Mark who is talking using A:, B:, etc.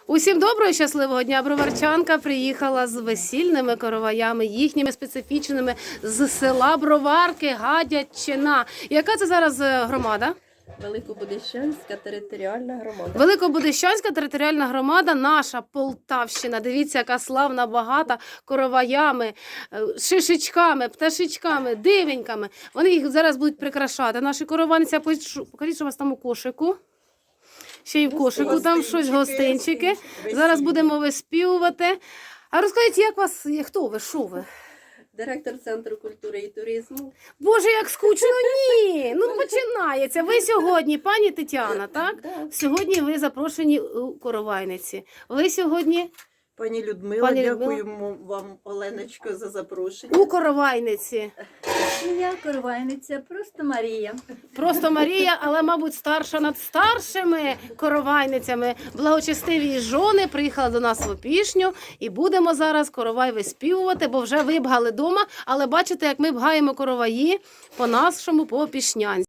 A: Усім доброго і щасливого дня! Броварчанка приїхала з весільними короваями, їхніми специфічними, з села Броварки, Гадячина. Яка це зараз громада?
B: Великобудищанська територіальна громада.
A: Великобудищанська територіальна громада, наша Полтавщина. Дивіться, яка славна, багата короваями, шишечками, пташечками, дивеньками. Вони їх зараз будуть прикрашати. Наші корованиця, покажіть, що у вас там у кошику. Ще й в кошику там щось, гостинчики. Зараз будемо виспівувати. А розкажіть, як вас, хто ви, що ви?
B: Директор Центру культури і туризму.
A: Боже, як скучно, ні! Ну, починається. Ви сьогодні, пані Тетяна, так?
B: Да.
A: Сьогодні ви запрошені у коровайниці. Ви сьогодні
C: Пані Людмила,
A: Пані Людмила.
C: дякуємо вам, Оленочко, за запрошення.
A: у коровайниці.
D: Я коровайниця, просто Марія.
A: Просто Марія, але, мабуть, старша над старшими коровайницями. Благочестиві жони приїхали до нас в Опішню і будемо зараз коровай виспівувати, бо вже вибгали вдома, але бачите, як ми бгаємо короваї по нашому, по Опішнянську.